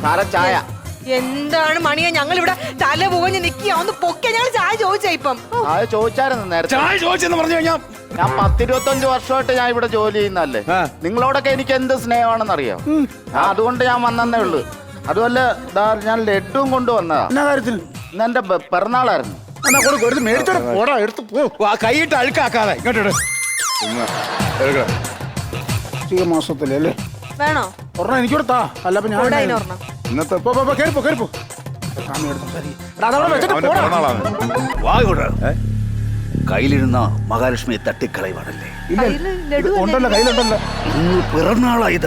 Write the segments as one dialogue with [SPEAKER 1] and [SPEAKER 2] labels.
[SPEAKER 1] സാറേ ചായ.
[SPEAKER 2] എന്താണ് മണിയാ, ഞങ്ങൾ ഇവിടെ തല പോകഞ്ഞ് നിക്കുക, ഒന്ന് പൊക്കെ. ഞങ്ങൾ ചായ ചോദിച്ചാ ഇപ്പം.
[SPEAKER 1] ചായ ചോദിച്ചായിരുന്നു നേരത്തെ.
[SPEAKER 3] ചായ ചോദിച്ചെന്ന് പറഞ്ഞു കഴിഞ്ഞാൽ
[SPEAKER 1] ഞാൻ 10-25 വർഷമായിട്ട് ഞാൻ ഇവിടെ ജോലി ചെയ്യുന്നല്ലേ. നിങ്ങളോടൊക്കെ എനിക്ക് എന്ത് സ്നേഹമാണെന്ന് അറിയാം. അതുകൊണ്ട് ഞാൻ വന്നേ ഉള്ളു. അതുപോലെ ഞാൻ ലഡ്ഡും കൊണ്ടുവന്നതാ.
[SPEAKER 3] എന്നാ കാര്യത്തിൽ?
[SPEAKER 1] ഇന്ന് എന്റെ പിറന്നാളായിരുന്നു.
[SPEAKER 3] എന്നാ കൊടുക്കും, എടുത്ത് മേടിച്ചോടെ പോടാ, എടുത്ത് പോ. കൈയിട്ട് അഴുക്കാക്കാതെ ഇങ്ങോട്ട് എടുക്കണം. മാസത്തിലേ അല്ലേ
[SPEAKER 2] വേണോ
[SPEAKER 3] ഒരെണ്ണം എനിക്കൂടെ താ. അല്ല അപ്പൊ ഞാൻ
[SPEAKER 2] ഒരെണ്ണം.
[SPEAKER 3] ഇന്നത്തെ കേറിപ്പോ
[SPEAKER 4] കയ്യിലിരുന്ന മഹാലക്ഷ്മിയെ തട്ടിക്കളയുവാണല്ലേ?
[SPEAKER 3] ഉണ്ടല്ലോ, കയ്യിലുണ്ടല്ലോ.
[SPEAKER 4] ഇന്ന് പിറന്നാളാ ഇത്.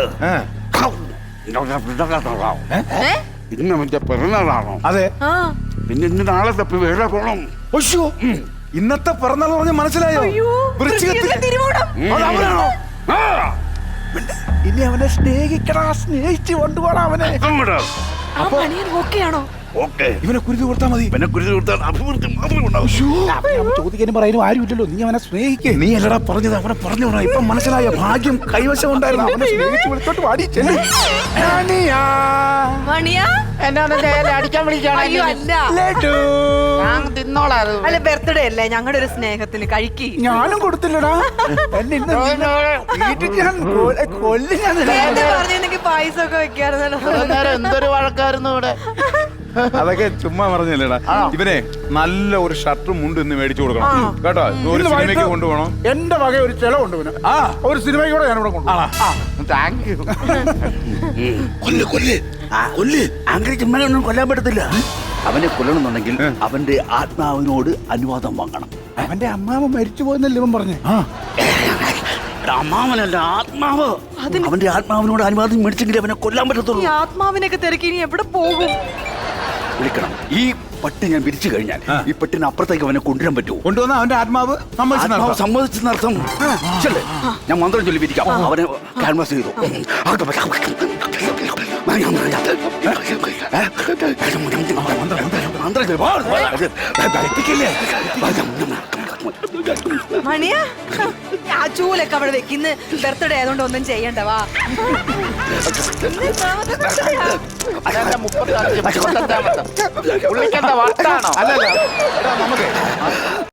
[SPEAKER 5] ഇന്ന് മറ്റേ പിറന്നാളാണോ?
[SPEAKER 3] അതെ.
[SPEAKER 5] പിന്നെ ഇന്ന് നാളെ തപ്പി വേറെ പോണം.
[SPEAKER 3] ഇന്നത്തെ പിറന്നാൾ പറഞ്ഞ മനസ്സിലായോ?
[SPEAKER 4] അതവനാണോ?
[SPEAKER 3] ഇനി അവനെ സ്നേഹിക്കടാ, സ്നേഹിച്ച് കൊണ്ടുപോടാ അവനെ.
[SPEAKER 4] ഇവനെ കുരുതി കൊടുത്താൽ മതി. ഇവനെ കുരുതി കൊടുത്താൽ അഭിവൃദ്ധി മാത്രമേ ഉണ്ടാവൂ.
[SPEAKER 3] ചോദിക്കാനും പറയാനും ആരും ഇല്ലല്ലോ. നീ അവനെ സ്നേഹിക്കേ.
[SPEAKER 4] നീ അല്ലടാ പറഞ്ഞത്, അവനെ പറഞ്ഞോടാ. ഇപ്പൊ മനസ്സിലായ ഭാഗ്യം കൈവശം ഉണ്ടായിരുന്നു.
[SPEAKER 3] അവനെ സ്നേഹിച്ച് വിളിച്ചോട്ട് പാടി ചെല്ലു.
[SPEAKER 1] അടിക്കാൻ വിളിക്കാണ്.
[SPEAKER 2] അയ്യോ അല്ല,
[SPEAKER 1] ഞാൻ തിന്നോളാം.
[SPEAKER 2] അല്ല ബർത്ത്ഡേ അല്ലേ, ഞങ്ങളുടെ ഒരു സ്നേഹത്തിന് കഴിക്കി.
[SPEAKER 3] ഞാനും കൊടുത്തില്ലടാ. എന്നെ ഇന്ന് വീട്ടിൽ ഞാൻ കൊല്ലി. ഞാൻ
[SPEAKER 2] പറഞ്ഞെങ്കിൽ പായസം ഒക്കെ വെക്കാറുണ്ടല്ലോ.
[SPEAKER 1] നേരം എന്തൊരു വഴക്കായിരുന്നു ഇവിടെ.
[SPEAKER 5] അതൊക്കെ ചുമ്മാ പറഞ്ഞല്ലേടാ. ഇവനെ നല്ല ഒരു ഷർട്ടും മുണ്ടും ഇന്ന് മേടിച്ചു കൊടുക്കണം കേട്ടോ. ഒരു സിനിമയ്ക്ക് കൊണ്ടുപോകണം.
[SPEAKER 3] എന്റെ വക ഒരു ചെലവുണ്ട് പിന്നെ. ഒരു സിനിമയ്ക്ക് കൂടെ ഞാനിവിടെ കൊണ്ടുപോകാം.
[SPEAKER 1] Thank you.
[SPEAKER 4] അങ്ങനെ ചുമ്മാനൊന്നും കൊല്ലാൻ പറ്റത്തില്ല. അവനെ കൊല്ലണമെന്നുണ്ടെങ്കിൽ അവന്റെ ആത്മാവിനോട് അനുവാദം വാങ്ങണം.
[SPEAKER 3] അവന്റെ അമ്മാവ മരിച്ചു പോയെന്നല്ലേ ഇവൻ പറഞ്ഞേ?
[SPEAKER 4] അമ്മാവനല്ല, ആത്മാവ്. അവന്റെ ആത്മാവിനോട് അനുവാദം മേടിച്ചെങ്കിൽ അവനെ കൊല്ലാൻ പറ്റത്തുള്ളൂ.
[SPEAKER 2] ഈ ആത്മാവിനൊക്കെ തിരക്കി ഇനി എവിടെ പോകും?
[SPEAKER 4] വിളിക്കണം. ഈ പട്ടി ഞാൻ പിരിച്ചു കഴിഞ്ഞാൽ ഈ പട്ടിന് അപ്പുറത്തേക്ക് അവനെ കൊണ്ടുവരാൻ പറ്റുമോ?
[SPEAKER 3] കൊണ്ടുവന്ന അവന്റെ ആത്മാവ്
[SPEAKER 4] സമ്മതിച്ചെന്നർത്ഥം. ഞാൻ മന്ത്രം ചൊല്ലി പിരിക്കാം. അവനെ ക്യാൻവാസ് ചെയ്തു.
[SPEAKER 2] മണിയാ, ആ ചൂലൊക്കെ അവിടെ വെക്കുന്ന ബർത്ത്ഡേ ആയതുകൊണ്ട് ഒന്നും ചെയ്യണ്ടവാ.
[SPEAKER 1] 35 പുള്ളിക്കെന്താ വട്ടാണോ?
[SPEAKER 5] അല്ലല്ല നമുക്ക്